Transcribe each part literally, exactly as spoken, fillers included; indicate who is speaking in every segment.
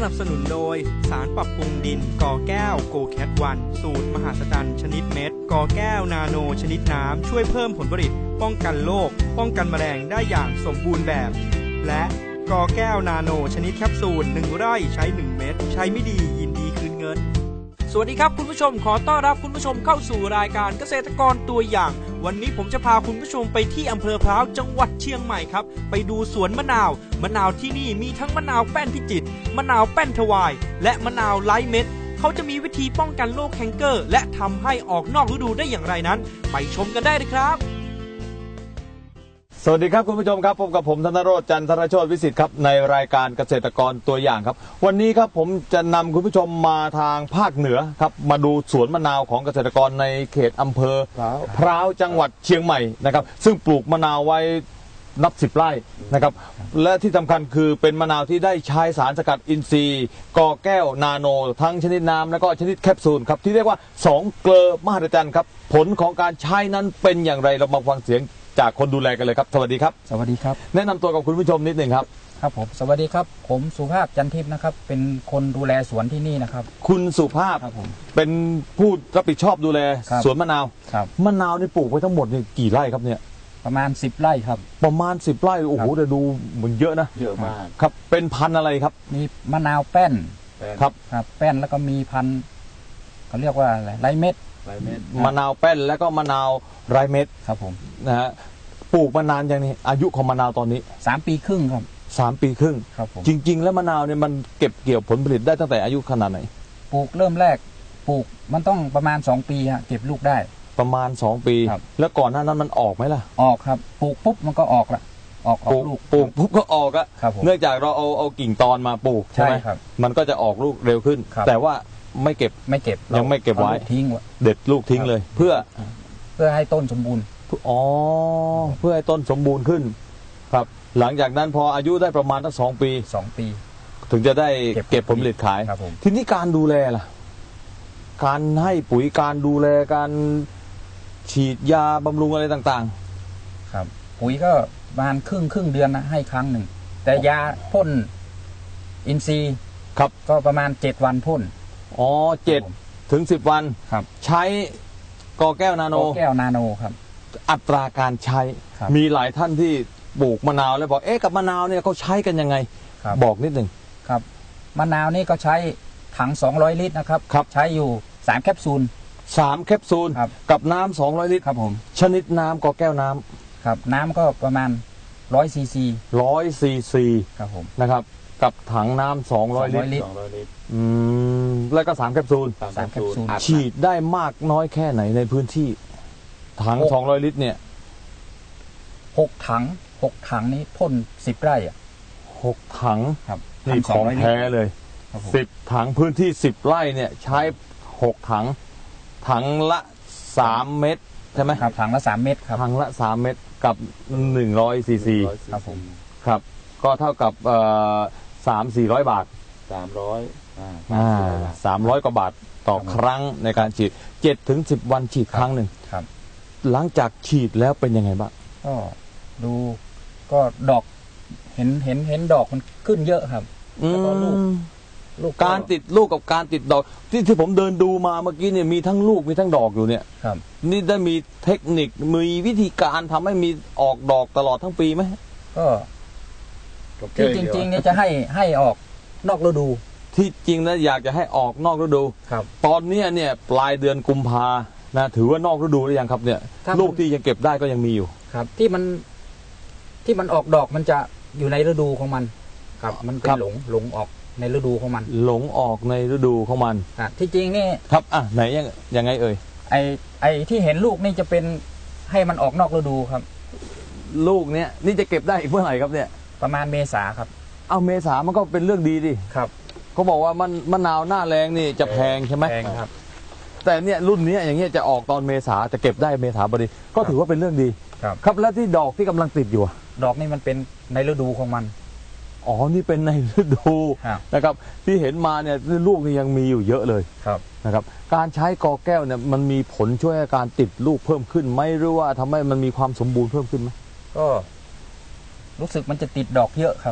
Speaker 1: นับสนุนโดยสารปรับปรุงดินกอแก้วโกแคทวันสูตรมหาศาลชนิดเม็ดกอแก้วนาโนชนิดน้ำช่วยเพิ่มผลผลิตป้องกันโรคป้องกันแมลงได้อย่างสมบูรณ์แบบและกอแก้วนาโนชนิดแคปซูลหนึ่งไร่ใช้หนึ่งเม็ดใช้ไม่ดียินดีคืนเงินสวัสดีครับคุณผู้ชมขอต้อนรับคุณผู้ชมเข้าสู่รายการเกษตรกรตัวอย่างวันนี้ผมจะพาคุณผู้ชมไปที่อำเภอพร้าวจังหวัดเชียงใหม่ครับไปดูสวนมะนาวมะนาวที่นี่มีทั้งมะนาวแป้นพิจิตรมะนาวแป้นทวายและมะนาวไร้เม็ดเขาจะมีวิธีป้องกันโรคแคนเกอร์และทำให้ออกนอกฤดูได้อย่างไรนั้นไปชมกันได้เลยครับ
Speaker 2: สวัสดีครับคุณผู้ชมครับพบกับผมธนโรจน์จันทรโชติวิสิทธิ์ครับในรายการเกษตรกรตัวอย่างครับวันนี้ครับผมจะนำคุณผู้ชมมาทางภาคเหนือครับมาดูสวนมะนาวของเกษตรกรในเขตอำเภอพร้าวจังหวัดเชียงใหม่นะครับซึ่งปลูกมะนาวไว้นับสิบไร่นะครับและที่สำคัญคือเป็นมะนาวที่ได้ใช้สารสกัดอินทรีย์กอแก้วนาโนทั้งชนิดน้ำและก็ชนิดแคปซูลครับที่เรียกว่าสองเกลอมหัศจรรย์ครับผลของการใช้นั้นเป็นอย่างไรเรามาฟังเสียงจากคนดูแลกันเลยครับสวัสดีครับ
Speaker 3: สวัสดีครับ
Speaker 2: แนะนำตัวกับคุณผู้ชมนิดหนึ่งครับ
Speaker 3: ครับผมสวัสดีครับผมสุภาพจันทิพย์นะครับเป็นคนดูแลสวนที่นี่นะครับ
Speaker 2: คุณสุภาพ
Speaker 3: ครับผม
Speaker 2: เป็นผู้รับผิดชอบดูแลสวนมะนาว
Speaker 3: ครับ
Speaker 2: มะนาวนี่ปลูกไว้ทั้งหมดนี่กี่ไร่ครับเนี่ย
Speaker 3: ประมาณสิบไร่ครับ
Speaker 2: ประมาณสิบไร่โอ้โหแต่ดูเหมือนเยอะนะ
Speaker 4: เยอะมาก
Speaker 2: ครับเป็นพันธุ์อะไรครับ
Speaker 3: มีมะนาวแป้น
Speaker 2: ครับ
Speaker 3: ครับแป้นแล้วก็มีพันธุ์เขาเรียกว่าอะไรไรเม็ด
Speaker 2: มะนาวแป้นแล้วก็มะนาวไรเม็ด
Speaker 3: ครับผม
Speaker 2: นะฮะปลูกมานานอย่างนี้อายุของมะนาวตอนนี้
Speaker 3: สามปีครึ่งครับ
Speaker 2: สามปีครึ่ง
Speaker 3: ครับผม
Speaker 2: จริงๆแล้วมะนาวเนี่ยมันเก็บเกี่ยวผลผลิตได้ตั้งแต่อายุขนาดไหน
Speaker 3: ปลูกเริ่มแรกปลูกมันต้องประมาณสองปีฮะเก็บลูกได้
Speaker 2: ประมาณสองปีแล้วก่อนหน้านั้นมันออกไหมล่ะ
Speaker 3: ออกครับปลูกปุ๊บมันก็ออกละออกออกลูก
Speaker 2: ปลูกปุ๊บก็ออกอะเนื่องจากเราเอาเอากิ่งตอนมาปลูกใช่ไหมมันก็จะออกลูกเร็วขึ้นแต่ว่าไม่เก็บ
Speaker 3: ไม่เก็บ
Speaker 2: ยังไม่เก็บไว้
Speaker 3: ทิ้ง
Speaker 2: เด็ดลูกทิ้งเลยเพื่อ
Speaker 3: เพื่อให้ต้นสมบูรณ์
Speaker 2: อ๋อเพื่อให้ต้นสมบูรณ์ขึ้นครับหลังจากนั้นพออายุได้ประมาณตั้งสองปี
Speaker 3: สองปี
Speaker 2: ถึงจะได้เก็บผลผลิตขายทีนี้การดูแลล่ะการให้ปุ๋ยการดูแลการฉีดยาบำรุงอะไรต่าง
Speaker 3: ๆครับปุ๋ยก็ประมาณครึ่งครึ่งเดือนนะให้ครั้งหนึ่งแต่ยาพ่นอินทรีย์
Speaker 2: ครับ
Speaker 3: ก็ประมาณเจ็ดวันพ่น
Speaker 2: อ๋อเจ็ดถึงสิบวัน
Speaker 3: ครับ
Speaker 2: ใช้กอแก้วนาโน
Speaker 3: กอแก้วนาโนครับ
Speaker 2: อัตราการใช้มีหลายท่านที่ปลูกมะนาวแล้วบอกเอ๊ะกับมะนาวเนี่ยเขาใช้กันยังไงบอกนิดหนึ่ง
Speaker 3: ครับมะนาวนี่ก็ใช้ถังสองร้อยลิตรนะครับใช้อยู่สามแคปซูล
Speaker 2: สามแคปซูลกับน้ำสองร้อยลิตร
Speaker 3: ครับผม
Speaker 2: ชนิดน้ำกอแก้วน้
Speaker 3: ำครับน้ำก็ประมาณร้อยซีซี
Speaker 2: ร้อยซีซี
Speaker 3: ครับผม
Speaker 2: นะครับกับถังน้ำสองร้อยลิตรอืมแล้วก็สามแคปซูล
Speaker 3: สามแคปซูล
Speaker 2: ฉีดได้มากน้อยแค่ไหนในพื้นที่ถังสองร้อยลิตรเนี่ย
Speaker 3: หกถังหกถังนี้พ่นสิบไร่อ่ะ
Speaker 2: หกถัง
Speaker 3: ครับ
Speaker 2: นี่ของแท้เลยสิบถังพื้นที่สิบไร่เนี่ยใช้หกถังถังละสามเม็ดใช่ไหม
Speaker 3: ครับถังละสามเม็ดครับ
Speaker 2: ถังละสามเม็ดกับหนึ่งร้อยซีซี
Speaker 3: ครับผม
Speaker 2: ครับก็เท่ากับเอ่อสามสี่ร้อยบาท
Speaker 4: สามร้อย
Speaker 2: อ่าสามร้อยกว่าบาทต่อครั้งในการฉีดเจ็ดถึงสิบวันฉีดครั้งหนึ่ง
Speaker 3: ครับ
Speaker 2: หลังจากฉีดแล้วเป็นยังไงบ้าง
Speaker 3: ก็ดูก็ดอกเห็นเห็นเห็นดอกมันขึ้นเยอะครับแล้วก็ลูก
Speaker 2: ลูกการติดลูกกับการติดดอกที่ที่ผมเดินดูมาเมื่อกี้เนี่ยมีทั้งลูกมีทั้งดอกอยู่เนี่ย
Speaker 3: ครับ
Speaker 2: นี่ได้มีเทคนิคมีวิธีการทำให้มีออกดอกตลอดทั้งปีไหม
Speaker 3: ก็ที่จริงๆเนี่ยจะให้ให้ออกนอกฤดู
Speaker 2: ที่จริงนะอยากจะให้ออกนอกฤดู
Speaker 3: ครับ
Speaker 2: ตอนนี้เนี่ยปลายเดือนกุมภานะถือว่านอกฤดูหรือยังครับเนี่ยลูกที่ยังเก็บได้ก็ยังมีอยู่
Speaker 3: ครับที่มันที่มันออกดอกมันจะอยู่ในฤดูของมันครับมันเป็นหลงหลงออกในฤดูของมัน
Speaker 2: หลงออกในฤดูของมัน
Speaker 3: อ่ะที่จริงนี่
Speaker 2: ครับอ่ะไหนยังยังไงเอ่ย
Speaker 3: ไอไอที่เห็นลูกนี่จะเป็นให้มันออกนอกฤดูครับ
Speaker 2: ลูกเนี้ยนี่จะเก็บได้อีกเมื่อไหร่ครับเนี่ย
Speaker 3: ประมาณเมษาครับ
Speaker 2: เอาเมษามันก็เป็นเรื่องดีดิ
Speaker 3: ครับ
Speaker 2: เขาบอกว่ามันมะนาวหน้าแรงนี่จะแพงใช่ไหม
Speaker 3: แพงครับ
Speaker 2: แต่เนี่ยรุ่นนี้อย่างเงี้ยจะออกตอนเมษาจะเก็บได้เมษาพอดีก็ถือว่าเป็นเรื่องดี
Speaker 3: ครับ
Speaker 2: ครับแล้วที่ดอกที่กำลังติดอยู่
Speaker 3: ดอกนี่มันเป็นในฤดูของมัน
Speaker 2: อ๋อนี่เป็นในฤดูนะครับที่เห็นมาเนี่ยลูกนี่ยังมีอยู่เยอะเลย
Speaker 3: ครับ
Speaker 2: นะครับการใช้กอแก้วเนี่ยมันมีผลช่วยการติดลูกเพิ่มขึ้นไหมหรือว่าทำให้มันมีความสมบูรณ์เพิ่มขึ้นไหม
Speaker 3: ก็รู้สึกมันจะติดดอกเยอะครับ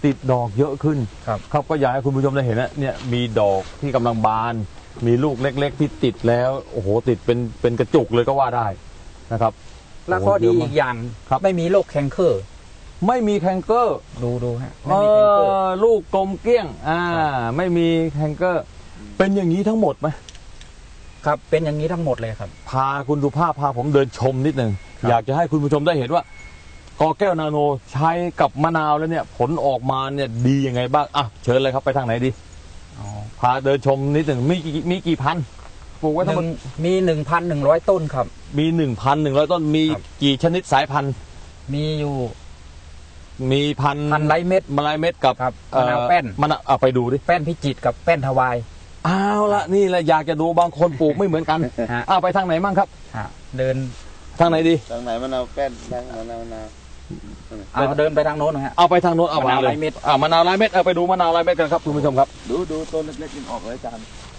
Speaker 2: ติดดอกเยอะขึ้น
Speaker 3: ครับ
Speaker 2: ครับก็อยากให้คุณผู้ชมได้เห็นนะเนี่ยมีดอกที่กำลังบาน มีลูกเล็กๆที่ติดแล้วโอ้โหติดเป็นเป็นกระจุกเลยก็ว่าได้นะครับ
Speaker 3: แล้วข้อดีอีกอย่าง
Speaker 2: ครับ
Speaker 3: ไม่มีโรคแคนเคอร์
Speaker 2: ไม่มีแคนเกอร์
Speaker 3: ดูดูฮะ
Speaker 2: เอ
Speaker 3: ไม่มีแคนเกอร์
Speaker 2: อลูกกลมเกลี้ยงอ่าไม่มีแคนเกอร์ เป็นอย่างนี้ทั้งหมดไหม
Speaker 3: ครับเป็นอย่างนี้ทั้งหมดเลยครับ
Speaker 2: พาคุณสุภาพพาผมเดินชมนิดหนึ่ง
Speaker 3: ครับ
Speaker 2: อยากจะให้คุณผู้ชมได้เห็นว่ากอแก้วนาโนใช้กับมะนาวแล้วเนี่ยผลออกมาเนี่ยดียังไงบ้างอ่ะเชิญเลยครับไปทางไหนดี
Speaker 3: อ๋อ
Speaker 2: พาเดินชมนิดหนึ่งมีกี่มีกี่พันปลูกไว้
Speaker 3: ห
Speaker 2: ทั้งหม
Speaker 3: นึ่
Speaker 2: ด
Speaker 3: งมีหนึ่งพันหนึ่งร้อยต้นครับ
Speaker 2: มีหนึ่งพันหนึ่งร้อยต้นมี
Speaker 3: ครับ
Speaker 2: กี่ชนิดสายพันธุ์
Speaker 3: มีอยู่
Speaker 2: มีพัน
Speaker 3: พันไรเม็ด
Speaker 2: มะลายเม็ดกับ
Speaker 3: ครับ
Speaker 2: เอ่อ
Speaker 3: มะนาวแป้น
Speaker 2: มะนาวเอาไปดูดิ
Speaker 3: แป้นพิจิตรกับแป้นทวาย
Speaker 2: เอาละนี่แหละอยากจะดูบางคนปลูกไม่เหมือนกัน
Speaker 3: ฮะ
Speaker 2: เอาไปทางไหนมั่งครับ
Speaker 3: ฮะเดิน
Speaker 2: ทางไหนดี
Speaker 4: ทางไหนมะนาวแป้นทางมะนาวมะนาว
Speaker 3: เอาเดินไปทางโน้นนะฮะ
Speaker 2: เอาไปทางโน้นเอา
Speaker 3: มะนาว
Speaker 2: เลย
Speaker 3: ลายเม็ด
Speaker 2: อ่ามะนาวลายเม็ดเอาไปดูมะนาวลายเม็ดกันครับคุณผู้ชมครับ
Speaker 4: ดูดูต้นเล็กๆยังออกเลยจาน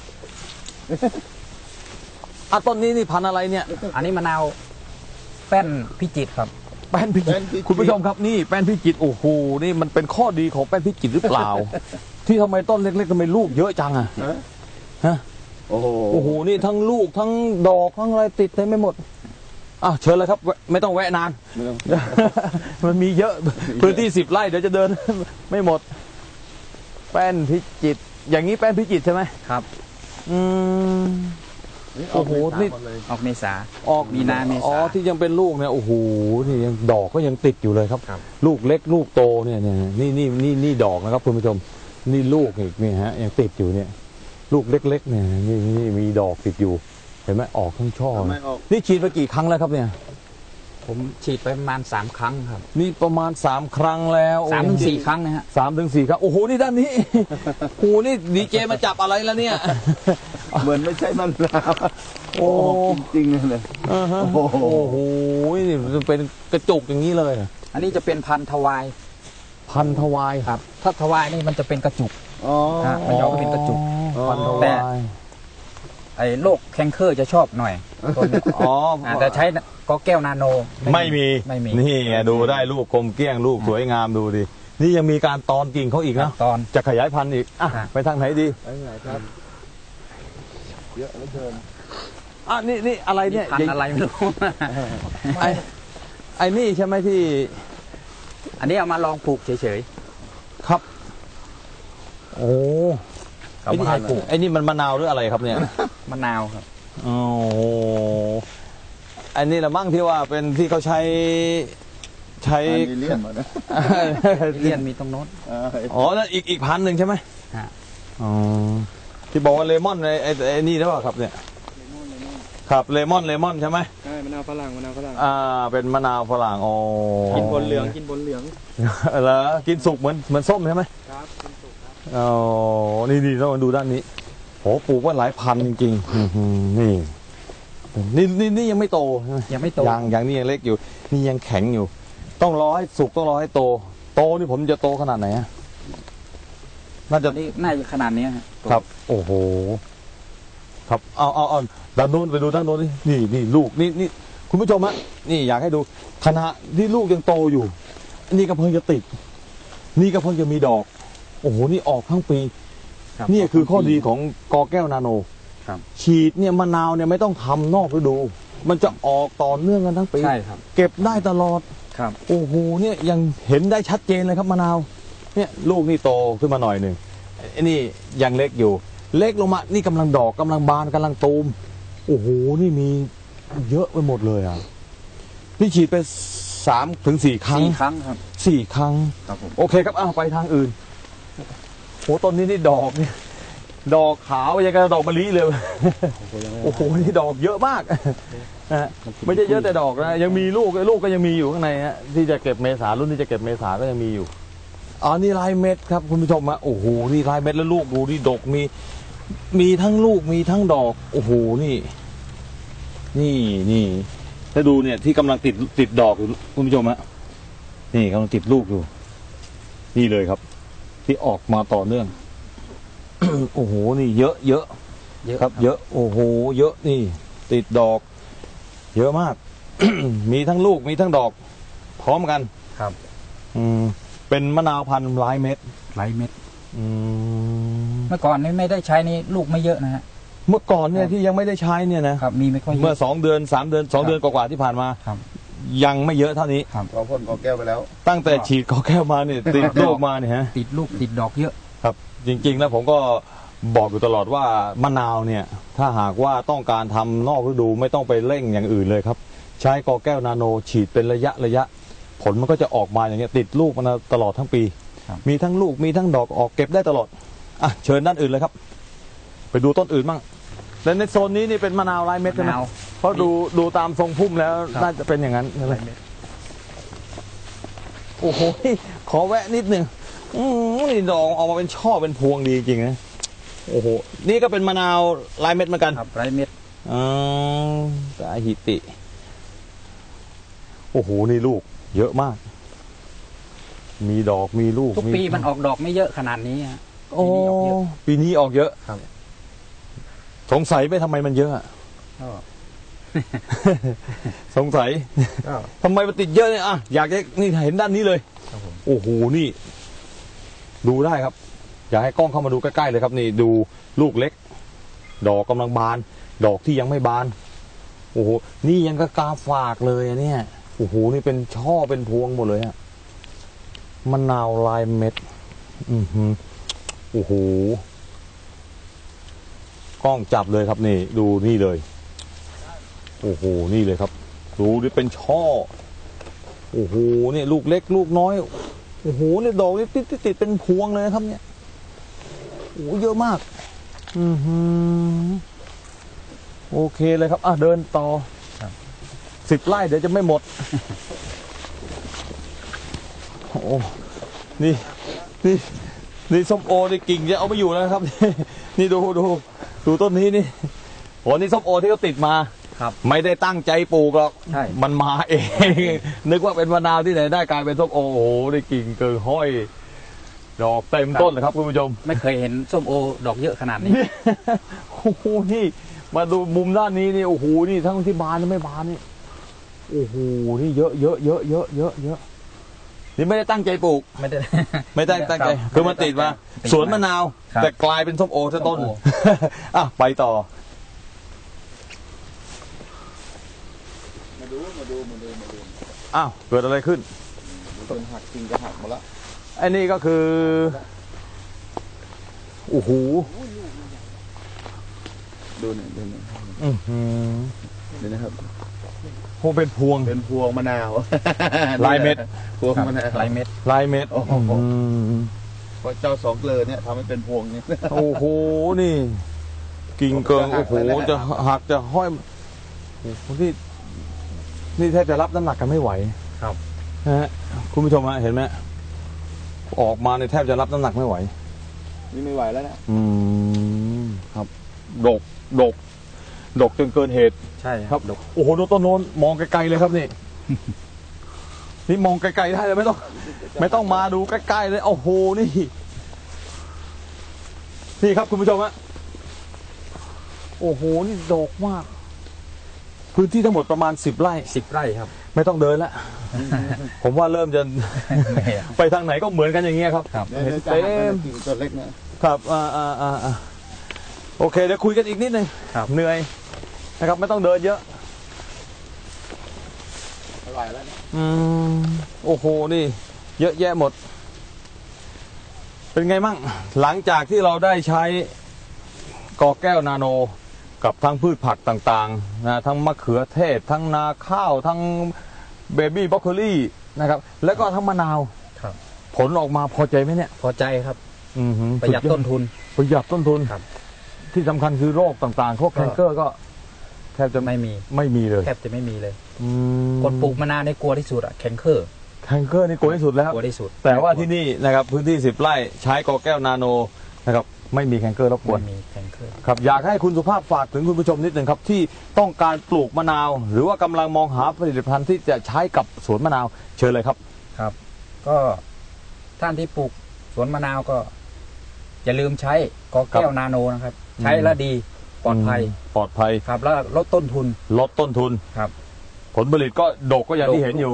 Speaker 2: อ่ะต้นนี้นี่พันธุ์อะไรเนี่ย
Speaker 3: อันนี้มะนาวแป้นพิจิตรครับ
Speaker 2: แป้นพิจิตรคุณผู้ชมครับนี่แป้นพิจิตรโอ้โหนี่มันเป็นข้อดีของแป้นพิจิตรหรือเปล่า ที่ทำไมต้นเล็กๆทำไมลูกเยอะจังอะฮะ
Speaker 4: โอ้โห
Speaker 2: โอ้โหนี่ทั้งลูกทั้งดอกทั้งอะไรติดเต็มไปหมดอ่ะเชิญเลยครับแวะไม่ต้องแวะนาน
Speaker 4: ไม่ต้อง
Speaker 2: มันมีเยอะพื้นที่สิบไร่เดี๋ยวจะเดิน ไม่หมด แป้นพิจิตรอย่างนี้แป้นพิจิตรใช่ไหม
Speaker 3: ครับ
Speaker 2: อืม โอ้โหนี่
Speaker 3: ออกเมษา
Speaker 2: ออก
Speaker 3: มีนาเมษา
Speaker 2: อ๋อที่ยังเป็นลูกเนี่ยโอ้โหนี่ยังดอกก็ยังติดอยู่เลยครับ
Speaker 3: ครับ
Speaker 2: ลูกเล็กลูกโตเนี่ยเนี่ยนี่นี่นี่นี่ดอกนะครับคุณผู้ชมนี่ลูกอีกนี่ฮะยังติดอยู่เนี่ย ลูกเล็กๆเนี่ยนี่นี่มีดอกติดอยู่ เห็นไหมออกทั้งช่อ
Speaker 4: ทำไม
Speaker 2: เลย
Speaker 4: ออก
Speaker 2: นี่ฉีดไปกี่ครั้งแล้วครับเนี่ย
Speaker 3: ผมฉีดไปประมาณสามครั้งครับ
Speaker 2: นี่ประมาณสามครั้งแล้ว
Speaker 3: สามถึงสี่ครั้งนะฮะ
Speaker 2: สามถึงสี่ครั้งโอ้โหนี่ด้านนี้ โอ้โหนี่ดีเจมาจับอะไรแล้วเนี่ย
Speaker 4: เหมือนไม่ใช่มะนาว
Speaker 2: โอ้
Speaker 4: จริงๆเลย
Speaker 2: อ่าฮะ
Speaker 4: โอ้โห
Speaker 2: โอ้โหนี่มันเป็นกระจุกอย่างนี้เลย
Speaker 3: อันนี้จะเป็นพันธุ์ทวาย
Speaker 2: พันทวาย
Speaker 3: ครับ ถ้าทวายนี่มันจะเป็นกระจุก
Speaker 4: อ๋อ
Speaker 3: ฮะ มันยาวก็เป็นกระจุก
Speaker 2: อ๋อพันท
Speaker 3: แต่
Speaker 2: วาย
Speaker 3: ไอ้โรคแคนเคอร์จะชอบหน่อยต้นนี้
Speaker 2: อ๋อ
Speaker 3: อ่าแต่ใช้ก็แก้วนาโน
Speaker 2: ไม่มี
Speaker 3: ไม่มี
Speaker 2: นี่ไงดูได้ลูกกลมเกลี้ยงลูกสวยงามดูดินี่ยังมีการตอนกิ่งเขาอีกนะ
Speaker 3: ตอน
Speaker 2: จะขยายพันธุ์อีกอ่ะ
Speaker 3: ครับ
Speaker 2: ไปทางไหนดี
Speaker 4: ไปไหนครับ เยอะเหลือเกิน
Speaker 2: อ่ะนี่นี่อะไรเนี่ย
Speaker 3: พันธุ์อะไรไม่รู้
Speaker 2: ไอ้ไอ้นี่ใช่ไหมที่
Speaker 3: อันนี้เอามาลองปลูกเฉย
Speaker 2: ครับ โอ้
Speaker 3: ๆเอามาให้ปลูก
Speaker 2: ไอ้นี่มันมะนาวหรืออะไรครับเนี่ย
Speaker 3: มะนาวครับ
Speaker 2: โอ้โหอันนี้ละมั่งที่ว่าเป็นที่เขาใช้ใช้
Speaker 4: อันนี้เลี่ยนหมดนะ
Speaker 3: เลียนมีตรงโน้น
Speaker 4: อ่า
Speaker 2: อ๋อนั่นอีกอีกพันหนึ่งใช่ไหม
Speaker 3: ฮะ
Speaker 2: อ๋อที่บอกว่าเลมอนไอ้ไอ้ไอ้นี่หรือเปล่าครับเนี่ยครับเลมอนเลมอนใช่ไหม
Speaker 1: ใช่มะนาวฝรั่งมะนาวฝรั่ง
Speaker 2: อ่าเป็นมะนาวฝรั่งอ๋อ
Speaker 1: กินบนเหลืองกินบนเหลือง
Speaker 2: เหรอกินสุกเหมือนเหมือนส้มใช่ไหม
Speaker 1: ครับกินสุกครับ
Speaker 2: อ๋อนี่นี่ต้องมาดูด้านนี้โหปลูกว่าหลายพันจริงๆอื้อหือนี่นี่นี่นี่ยังไม่โตใช่ไหม
Speaker 3: ยังไม่โต
Speaker 2: ยังยังนี่ยังเล็กอยู่ นี่ยังแข็งอยู่ ต้องรอให้สุกต้องรอให้โต โตนี่ผมจะโตขนาดไหนอะน่าจะ
Speaker 3: อันนี้น่าจะขนาดนี้ฮะ
Speaker 2: ครับ โอ้โห ครับ เอาเอาเอาด้านโน้นไปดูด้านโน้นนี่นี่นี่ลูกนี่นี่คุณผู้ชมฮะนี่อยากให้ดูขณะที่ลูกยังโตอยู่ นี่ก็เพิ่งจะติด นี่ก็เพิ่งจะมีดอก โอ้โห นี่ออกทั้งปี
Speaker 3: รับ
Speaker 2: นี่คือข้อดีของกอแก้วนาโน
Speaker 3: ครับ
Speaker 2: ฉีดเนี่ยมะนาวเนี่ยไม่ต้องทำนอกฤดู มันจะออกต่อเนื่องกันทั้งปี
Speaker 3: ใช่ครับ
Speaker 2: เก็บได้ตลอด
Speaker 3: ครับ
Speaker 2: โอ้โห เนี่ยยังเห็นได้ชัดเจนเลยครับมะนาว เนี่ยลูกนี่โตขึ้นมาหน่อยหนึ่งไอ้นี่ยังเล็กอยู่ เล็กลงมา นี่กำลังดอกกำลังบานกำลังตูม โอ้โห นี่มีเยอะไปหมดเลยอ่ะ นี่ฉีดไปสามถึงสี่ครั้ง
Speaker 3: สี่ครั้งครับ
Speaker 2: สี่ครั้ง
Speaker 3: ครับผม
Speaker 2: โอเคครับอ้าวไปทางอื่นโหต้นนี้นี่ดอกเนี่ยดอกขาวยังกับดอกมะลิเลย โอ้โหนี่ดอกเยอะมากนะฮะไม่ใช่เยอะแต่ดอกนะยังมีลูกลูกก็ยังมีอยู่ข้างในฮะที่จะเก็บเมษารุ่นที่จะเก็บเมษาก็ยังมีอยู่อ๋อนี่ลายเม็ดครับคุณผู้ชมฮะโอ้โหนี่ลายเม็ดแล้วลูกดูนี่ดกมี มีทั้งลูกมีทั้งดอกโอ้โหนี่ นี่นี่ถ้าดูเนี่ยที่กำลังติดติดดอกอยู่คุณผู้ชมฮะนี่กำลังติดลูกอยู่ นี่เลยครับ ที่ออกมาต่อเนื่อง โอ้โหนี่เยอะเยอะ
Speaker 3: เยอะ
Speaker 2: ครับ เยอะโอ้โหเยอะนี่ ติดดอก เยอะมาก มีทั้งลูกมีทั้งดอก พร้อมกัน
Speaker 3: ครับ
Speaker 2: อืมเป็นมะนาวพันธุ์ร้ายเม็ด
Speaker 3: หลายเม็ด
Speaker 2: อืม
Speaker 3: เมื่อก่อนนี่ไม่ได้ใช้นี่ลูกไม่เยอะนะฮะ
Speaker 2: เมื่อก่อนเนี่ยที่ยังไม่ได้ใช้เนี่ยนะครับ
Speaker 3: มีไม่ค่อยเย
Speaker 2: เมื่อ
Speaker 3: อะ
Speaker 2: สองเดือนสามเดือนสอง
Speaker 3: ครับ
Speaker 2: เดือนกว่าๆที่ผ่านมา
Speaker 3: ครับ
Speaker 2: ยังไม่เยอะเท่านี้
Speaker 4: เราพ่นกอแก้วไปแล้ว
Speaker 2: ตั้งแต่ฉีดกอแก้วมาเนี่ยติดลูกมาเนี่ยฮะ
Speaker 3: ติดลูกติดดอกเยอะ
Speaker 2: ครับ จริงๆแล้วผมก็บอกอยู่ตลอดว่ามะนาวเนี่ยถ้าหากว่าต้องการทำนอกฤดูไม่ต้องไปเร่งอย่างอื่นเลยครับ ใช้กอแก้วนาโนฉีดเป็นระยะระยะ ผลมันก็จะออกมาอย่างเงี้ยติดลูกมันตลอดทั้งปี
Speaker 3: ครับ
Speaker 2: มีทั้งลูกมีทั้งดอกออกเก็บได้ตลอดอ่ะเชิญด้านอื่นเลยครับ ไปดูต้นอื่นบ้างและในโซนนี้นี่เป็นมะนาวลายเม็ดใช่ไหม
Speaker 3: มะนาว
Speaker 2: เพราะดูดูตามทรงพุ่มแล้ว
Speaker 3: ครับ
Speaker 2: น่าจะเป็นอย่างนั้นใช่ไหมโอ้โหขอแวะนิดหนึ่งอืมนี่ดอกออกมาเป็นช่อเป็นพวงดีจริงๆนะโอ้โหนี่ก็เป็นมะนาวลายเม็ดเหมือนกัน
Speaker 3: ครับหลายเม็ด
Speaker 2: อ๋อสาหิติ โอ้โห นี่ลูก เยอะมาก มีดอกมีลูก
Speaker 3: ทุกปีมันออกดอกไม่เยอะขนาดนี้ฮะ
Speaker 2: โอ้
Speaker 3: ปีนี้ออกเยอะ
Speaker 2: ปีนี้ออกเยอะ
Speaker 3: ครับ
Speaker 2: สงสัยไปทำไมมันเยอะอะ
Speaker 3: ก็
Speaker 2: สงสัย
Speaker 3: ก็
Speaker 2: ทำไมมันติดเยอะเนี่ยอ่ะอยากจะนี่เห็นด้านนี้เลย
Speaker 3: ครับผม
Speaker 2: โอ้โห นี่ ดูได้ครับ อยากให้กล้องเข้ามาดูใกล้ๆเลยครับ นี่ดูลูกเล็ก ดอกกำลังบาน ดอกที่ยังไม่บาน โอ้โห นี่ยังก็กาฝากเลยอะเนี่ย โอ้โห นี่เป็นช่อเป็นพวงหมดเลยอะมะนาวลายเม็ด อือหือโอ้โห กล้องจับเลยครับนี่ ดูนี่เลย โอ้โห นี่เลยครับ ดูนี่เป็นช่อ โอ้โห นี่ลูกเล็กลูกน้อย โอ้โห นี่ดอกนี่ติดติดติดเป็นพวงเลยนะครับ เนี่ย โอ้โห เยอะมาก อือหือโอเคเลยครับ อ่ะเดินต่อสิบไร่เดี๋ยวจะไม่หมด โอ้ นี่ นี่ นี่ส้มโอนี่กิ่งจะเอาไม่อยู่แล้วนะครับ นี่ดูดูดูต้นนี้นี่โอ้นี่ส้มโอที่เขาติดมา
Speaker 3: ครับ
Speaker 2: ไม่ได้ตั้งใจปลูกหรอก
Speaker 3: ใช่
Speaker 2: มันมาเอง นึกว่าเป็นมะนาวที่ไหนได้กลายเป็นส้มโอโอ้โหได้กิ่งเกินห้อย ดอกเต็มต้นเลยครับคุณผู้ชม
Speaker 3: ไม่เคยเห็นส้มโอดอกเยอะขนาดนี้
Speaker 2: โอ้โห นี่ มาดูมุมด้านนี้นี่ โอ้โห นี่ทั้งที่บานและไม่บานนี่ โอ้โห นี่เยอะเยอะเยอะเยอะเยอะเยอะนี่ไม่ได้ตั้งใจปลูก
Speaker 3: ไม่ได้
Speaker 2: ไม่ได้ตั้งใจ
Speaker 3: ครับ
Speaker 2: คือมันติดมา
Speaker 3: ติดมา
Speaker 2: สวนมะนาว
Speaker 3: ครับ
Speaker 2: แต่กลายเป็นส้มโอซะต้น
Speaker 3: ส้มโอ
Speaker 2: อ่ะ ไปต่อ
Speaker 4: มาดูมาดูมาดูมาดู
Speaker 2: อ้าว เกิดอะไรขึ้น
Speaker 4: มันเป็นหักจริงจะหักหมดละ
Speaker 2: ไอ้นี่ก็คือ โอ้โห
Speaker 4: ดูนี่ดูนี่
Speaker 2: อื้อหือ
Speaker 4: ดูนะครับ
Speaker 2: โหเป็นพวง
Speaker 4: เป็นพวงมะนาว
Speaker 2: ลายเม็ด
Speaker 4: พวงมะนาว
Speaker 3: หลายเม็ด
Speaker 2: ลายเม็ด
Speaker 4: โอ้โห
Speaker 2: อืม
Speaker 4: เพราะเจ้าสองเกลือเนี่ยทำให้เป็นพวงนี่
Speaker 2: โอ้โห นี่ กิ่งเกิง โอ้โห จะหักจะห้อยโอ้โหนี่ นี่แทบจะรับน้ำหนักกันไม่ไหว
Speaker 3: ครับ
Speaker 2: นะฮะ คุณผู้ชมฮะเห็นไหม ออกมาในยแทบจะรับน้ำหนักไม่ไหว
Speaker 4: นี่ไม่ไหวแล้วนะ
Speaker 2: อืม ครับ ดก ดก ดกจนเกินเหตุ
Speaker 3: ใช่
Speaker 2: ครับ โอ้โหดูต้นโน้นมองไกลๆเลยครับนี่ นี่มองไกลๆได้เลยไม่ต้อง ไม่ต้องมาดูใกล้ๆเลย โอ้โห นี่ นี่ครับคุณผู้ชมฮะ โอ้โห นี่ดกมาก พื้นที่ทั้งหมดประมาณสิบไร่
Speaker 3: สิบไร่ครับ
Speaker 2: ไม่ต้องเดินแล้ว ผมว่าเริ่มจะ
Speaker 3: ไม่อะ
Speaker 2: ไปทางไหนก็เหมือนกันอย่างเงี้ยครับ
Speaker 3: ครับ
Speaker 4: เนี่ย
Speaker 2: เห็น
Speaker 4: เนี่ยจะ
Speaker 2: เต็
Speaker 4: หัก
Speaker 2: ม
Speaker 4: นะกิ่งตัวเล็กเนี่ย
Speaker 2: ครับอ่าอ่าอ่าอ่าโอเค เดี๋ยวคุยกันอีกนิดนึง
Speaker 3: ครับ
Speaker 2: เหนื่อยนะครับ ไม่ต้องเดินเยอะ
Speaker 4: ไม่ไหวแล้วเนี่ย
Speaker 2: อืม โอ้โห นี่ เยอะแยะหมด เป็นไงมั่ง หลังจากที่เราได้ใช้กอแก้วนาโน กับทั้งพืชผักต่างๆนะทั้งมะเขือเทศ ทั้งนาข้าว ทั้งเบบี้บรอกโคลีนะครับ แล้วก็ทั้งมะนาว
Speaker 3: ครับ
Speaker 2: ผลออกมาพอใจไหมเนี่ย
Speaker 3: พอใจครับ
Speaker 2: อือหือ
Speaker 3: ประหยัดต้นทุน
Speaker 2: ประหยัดต้นทุน
Speaker 3: ครับ
Speaker 2: ที่สำคัญคือโรคต่างๆพวก
Speaker 3: ก็
Speaker 2: แคนเกอร์ก็แทบจะ
Speaker 3: ไม่มี
Speaker 2: ไม่มีเลย
Speaker 3: แทบจะไม่มีเลย
Speaker 2: อืม
Speaker 3: คนปลูกมะนาวในกลัวที่สุดอะแคนเคอร์
Speaker 2: แคนเกอร์นี่กลัวที่สุดแล้ว
Speaker 3: กลัวที่สุด
Speaker 2: แต่ว่าที่นี่นะครับพื้นที่สิบไร่ใช้กอแก้วนาโนนะครับไม่มีแคนเกอร์รบกวน
Speaker 3: ไม่มีแคนเคอร์
Speaker 2: ครับอยากให้คุณสุภาพฝากถึงคุณผู้ชมนิดหนึ่งครับที่ต้องการปลูกมะนาว หรือว่ากำลังมองหาผลิตภัณฑ์ที่จะใช้กับสวนมะนาวเชิญเลยครับ
Speaker 3: ครับ ก็ท่านที่ปลูกสวนมะนาวก็ อย่าลืมใช้กอแก้วนาโนนะครับ ใช้แล้วดีปลอดภัย
Speaker 2: ปลอดภัย
Speaker 3: ครับ แล้วลดต้นทุน
Speaker 2: ลดต้นทุน
Speaker 3: ครับ
Speaker 2: ผลผลิตก็ดกก็อย่างที่เห็นอยู่
Speaker 3: ดก
Speaker 2: อ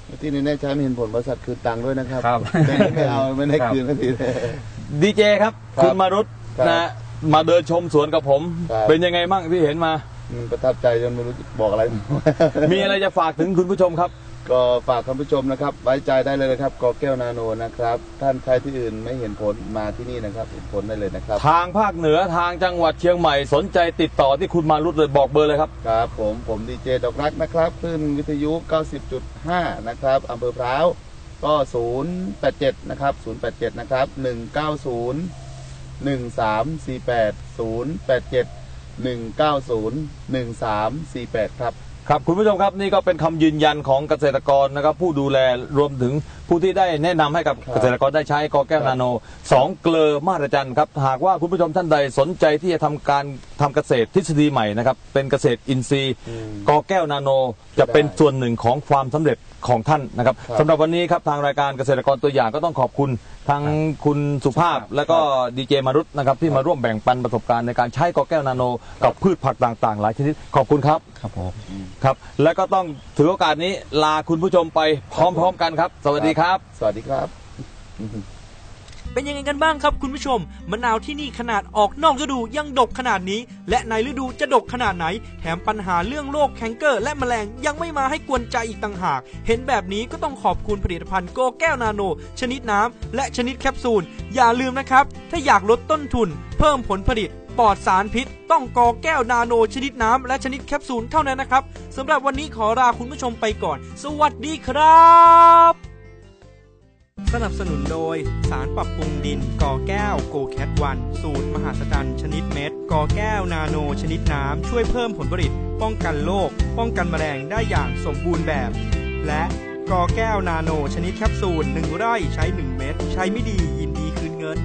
Speaker 4: ที่แน่ๆใช้ไม่เห็นผลบริษัทคืนตังค์ด้วยนะครับ
Speaker 3: ครับ
Speaker 4: แต่ไม่เอาไม่ได้คืนสักทีเลย
Speaker 2: ดีเจครับ
Speaker 4: ครับ
Speaker 2: คุณมารุต
Speaker 4: ครับ
Speaker 2: นะมาเดินชมสวนกับผม
Speaker 4: ครับ
Speaker 2: เป็นยังไงบ้างที่เห็นมา
Speaker 4: อืมประทับใจจนไม่รู้จะบอกอะไร
Speaker 2: มีอะไรจะฝากถึงคุณผู้ชมครับ
Speaker 4: ก็ฝากท่านผู้ชมนะครับ ไว้ใจได้เลยนะครับกอแก้วนาโนนะครับ ท่านใช้ที่อื่นไม่เห็นผลมาที่นี่นะครับเห็นผลได้เลยนะครับ
Speaker 2: ทางภาคเหนือทางจังหวัดเชียงใหม่สนใจติดต่อที่คุณมารุตเลยบอกเบอร์เลยครับ
Speaker 4: ครับผมผมดีเจดอกรักนะครับคลื่นวิทยุ เก้าสิบจุดห้า นะครับอำเภอพร้าวก็ ศูนย์ แปด เจ็ด นะครับ ศูนย์ แปด เจ็ด นะครับ หนึ่ง เก้า ศูนย์ หนึ่ง สาม สี่ แปด ศูนย์ แปด เจ็ด หนึ่ง เก้า ศูนย์ หนึ่ง สาม สี่ แปด ครับ
Speaker 2: ครับคุณผู้ชมครับนี่ก็เป็นคำยืนยันของเกษตรกรนะครับผู้ดูแลรวมถึงผู้ที่ได้แนะนำให้กับ
Speaker 4: ครับ
Speaker 2: เกษตรกรได้ใช้กอแก้วนาโนสองเกลอมาตรจันครับหากว่าคุณผู้ชมท่านใดสนใจที่จะทำการทำเกษตรทฤษฎีใหม่นะครับเป็นเกษตรอินทรีย์
Speaker 4: อืม
Speaker 2: กอแก้วนาโนจะเป็นส่วนหนึ่งของความสำเร็จของท่านนะครับ
Speaker 4: ครับ
Speaker 2: สำหรับวันนี้ครับทางรายการเกษตรกรตัวอย่างก็ต้องขอบคุณทางคุณสุภาพและก็ดีเจมารุตนะครับที่มาร่วมแบ่งปันประสบการณ์ในการใช้กอแก้วนาโนกับพืชผักต่างๆ หลายชนิดขอบคุณครับ
Speaker 3: ครับผม
Speaker 2: ครับและก็ต้องถือโอกาสนี้ลาคุณผู้ชมไปพร้อมๆกันครับ สวัสดีครับ
Speaker 4: สวัสดีครับ
Speaker 1: เป็นยังไงกันบ้างครับคุณผู้ชมมะนาวที่นี่ขนาดออกนอกฤดูยังดกขนาดนี้ และในฤดูจะดกขนาดไหนแถมปัญหาเรื่องโรคแคนเกอร์และแมลงยังไม่มาให้กวนใจอีกต่างหากเห็นแบบนี้ก็ต้องขอบคุณผลิตภัณฑ์โกแก้วนาโนชนิดน้ำและชนิดแคปซูลอย่าลืมนะครับถ้าอยากลดต้นทุนเพิ่มผลผลิตปลอดสารพิษต้องกอแก้วนาโนชนิดน้ำและชนิดแคปซูลเท่านั้นนะครับสำหรับวันนี้ขอลาคุณผู้ชมไปก่อนสวัสดีครับสนับสนุนโดยสารปรับปรุงดินกอแก้วโกแคทวันสูตรมหาสจรรย์ชนิดเม็ดกอแก้วนาโนชนิดน้ำช่วยเพิ่มผลผลิตป้องกันโรคป้องกันแมลงได้อย่างสมบูรณ์แบบและกอแก้วนาโนชนิดแคปซูลหนึ่งไร่ใช้หนึ่งเม็ดใช้ไม่ดียินดีคืนเงิน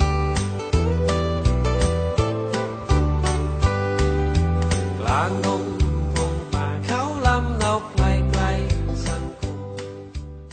Speaker 5: กลางดง